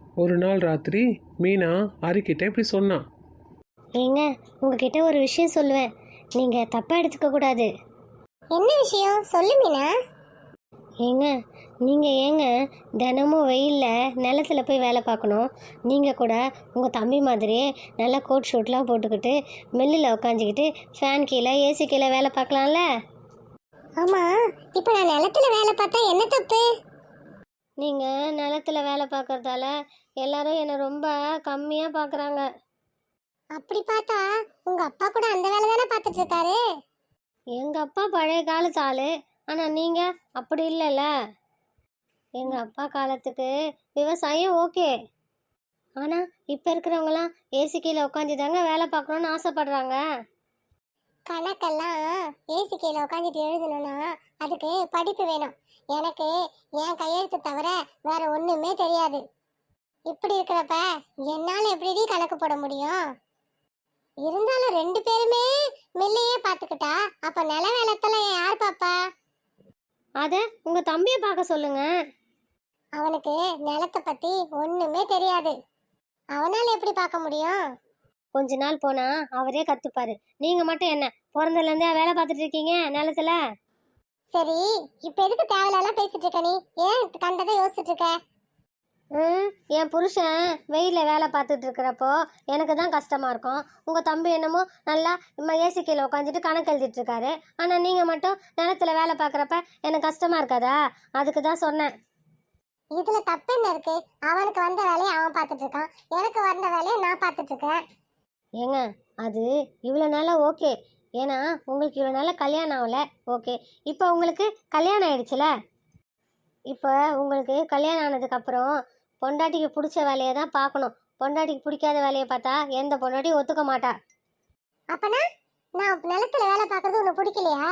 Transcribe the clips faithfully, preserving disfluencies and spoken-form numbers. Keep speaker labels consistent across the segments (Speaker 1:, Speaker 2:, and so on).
Speaker 1: ஒரு நாள் ராத்திரி மீனா ஹரிக்கிட்ட இப்படி சொன்னான்.
Speaker 2: ஏங்க உங்ககிட்ட ஒரு விஷயம் சொல்லுவேன், நீங்கள் தப்பாக எடுத்துக்க கூடாது.
Speaker 3: என்ன விஷயம் சொல்லு மீனா.
Speaker 2: ஏங்க நீங்கள் ஏங்க தினமும் வெயிலில் நிலத்துல போய் வேலை பார்க்கணும்? நீங்கள் கூட உங்கள் தம்பி மாதிரியே நல்லா கோட் ஷூட்லாம் போட்டுக்கிட்டு மில்லில் உட்காந்துக்கிட்டு ஃபேன் கீழே ஏசி கீழே வேலை பார்க்கலாம்ல.
Speaker 3: ஆமா, இப்போ நான் நிலத்துல வேலை பார்த்தா என்ன தப்பு?
Speaker 2: நீங்கள் நிலத்துல வேலை பார்க்கறதால எல்லாரும் என்னை ரொம்ப கம்மியாக பார்க்குறாங்க.
Speaker 3: அப்படி பார்த்தா உங்க அப்பா கூட அந்த வேலை தானே பார்த்துட்டு இருக்காரு.
Speaker 2: எங்கள் அப்பா பழைய காலத்து ஆள், ஆனால் நீங்கள் அப்படி இல்லைல்ல. எங்கள் அப்பா காலத்துக்கு விவசாயம் ஓகே, ஆனால் இப்போ இருக்கிறவங்களாம் ஏசி கீழே உட்காந்து தாங்க வேலை பார்க்கணுன்னு ஆசைப்படுறாங்க.
Speaker 3: கணக்கெல்லாம் ஏசி கீழே உட்காந்துட்டு எழுதணும்னா அதுக்கு படிப்பு வேணும். எனக்கு என் கையெழுத்து தவிர வேற ஒண்ணுமே தெரியாது. இப்படி இருக்கிறப்ப என்னால எப்படி கணக்கு போட முடியும்? இருந்தாலும் ரெண்டு பேருமே மில்லையே பார்த்துக்கிட்டா அப்ப நில வேலைத்தெல்லாம் யார் பாப்பா?
Speaker 2: அதை உங்கள் தம்பியை பார்க்க சொல்லுங்க.
Speaker 3: அவனுக்கு நிலத்தை பத்தி ஒண்ணுமே தெரியாது. அவனால எப்படி பார்க்க முடியும்?
Speaker 2: கொஞ்ச நாள் போனால் அவரே கற்றுப்பாரு. நீங்கள் மட்டும் என்ன பிறந்ததுலேருந்தே வேலை பார்த்துட்டு இருக்கீங்க நிலத்துல?
Speaker 3: சரி, இப்ப எதுக்கு தேவையில்லாம் பேசிட்டு இருக்க? நீ ஏன் கண்டதை யோசிச்சுட்டு இருக்க?
Speaker 2: ம் என் புருஷன் வெயிலில் வேலை பார்த்துட்டு இருக்கிறப்போ எனக்கு தான் கஷ்டமாக இருக்கும். உங்கள் தம்பி என்னமோ நல்லா ஏசி கீழே உட்காந்துட்டு கணக்கு எழுதிட்டு இருக்காரு. ஆனால் நீங்கள் மட்டும் நிலத்துல வேலை பார்க்குறப்ப எனக்கு கஷ்டமாக இருக்காதா? அதுக்கு தான் சொன்னேன்.
Speaker 3: இதுல தப்பு என்ன இருக்கு? அவனுக்கு வந்த வேலையை அவன் பார்த்துட்டு இருக்கான், எனக்கு வந்த வேலையை நான் பார்த்துட்டு இருக்கேன்.
Speaker 2: ஏங்க அது இவ்வளோ நாளாக ஓகே, ஏன்னா உங்களுக்கு இவ்வளோ நாளாக கல்யாணம் ஆகலை. ஓகே, இப்போ உங்களுக்கு கல்யாணம் ஆயிடுச்சுல. இப்போ உங்களுக்கு கல்யாணம் ஆனதுக்கப்புறம் பொண்டாட்டிக்கு பிடிச்ச வேலையை தான் பார்க்கணும். பொண்டாட்டிக்கு பிடிக்காத வேலையை பார்த்தா எந்த பொண்டாட்டியும் ஒத்துக்க மாட்டா.
Speaker 3: அப்பனா நான் நிலத்துல வேலை பார்க்கறது உனக்கு பிடிக்கலையா?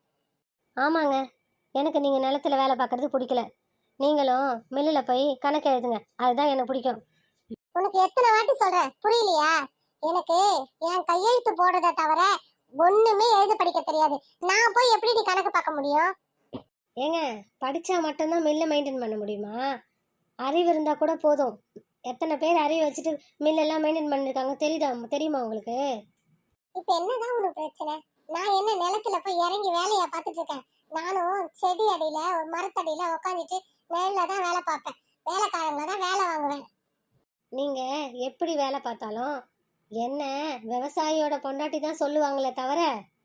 Speaker 2: ஆமாங்க, எனக்கு நீங்கள் நிலத்துல வேலை பார்க்குறது பிடிக்கல. நீங்களும் மில்லில் போய் கணக்கு எழுதுங்க, அதுதான் எனக்கு பிடிக்கும்.
Speaker 3: உனக்கு எத்தனை வாட்டி சொல்றேன், புரியலையா? எனக்கு என் கையெழுத்து போடுறத தவிர ஒண்ணுமே எழுத படிக்க தெரியாது. நான் போய் எப்படி நீ கணக்கு பார்க்க முடியும்?
Speaker 2: ஏங்க படித்தா மட்டும்தான் மில்லை மெயின்டைன் பண்ண முடியுமா? அறிவு இருந்தால் கூட போதும். எத்தனை பேர் அறிவு வச்சுட்டு மில்லெல்லாம் மெயின்டைன் பண்ணியிருக்காங்க தெரியுதா? தெரியுமா உங்களுக்கு?
Speaker 3: இப்ப என்னதான் உனக்கு பிரச்சனை? நான் என்ன நிலத்துல போய் இறங்கி வேலையா பார்த்துட்டு இருக்கேன்? நானும் செடி அடியில ஒரு மரத்தடியில உட்காந்துட்டு நிழல்ல தான் வேலை பார்ப்பேன். வேலைக்காரங்கள தான் வேலை வாங்குவேன்.
Speaker 2: நீங்கள் எப்படி வேலை பார்த்தாலும் என்ன விவசாயியோட பொண்டாட்டி தான் சொல்லுவாங்களே தவிர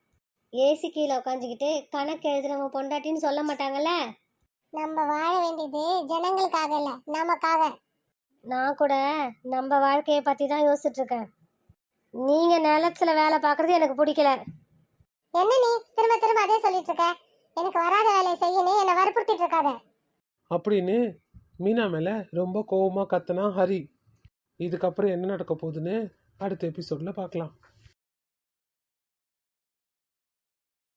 Speaker 2: ஏசி கீழே உட்காந்துக்கிட்டு கணக்கு எழுதுறவங்க பொண்டாட்டின்னு சொல்ல மாட்டாங்கல்ல.
Speaker 3: நம்ம வாழ வேண்டியது ஜனங்களுக்காக இல்ல, நமக்காக.
Speaker 2: நான் கூட நம்ம வாழ்க்கையை பற்றி தான் யோசிச்சுட்டு இருக்கேன். நீங்கள் நிலத்துல வேலை பார்க்குறது எனக்கு பிடிக்கல.
Speaker 3: என்ன நீ திரும்ப திரும்ப அதே சொல்லிட்டு இருக்க? எனக்கு வராத வேலையை செய்யணும், என்னை வற்புறுத்திட்டு இருக்காத
Speaker 1: அப்படின்னு மீனா மேலே ரொம்ப கோவமாக கத்துனா ஹரி. இதுக்கப்புறம் என்ன நடக்க போகுதுன்னு அடுத்த எபிசோடில் பார்க்கலாம்.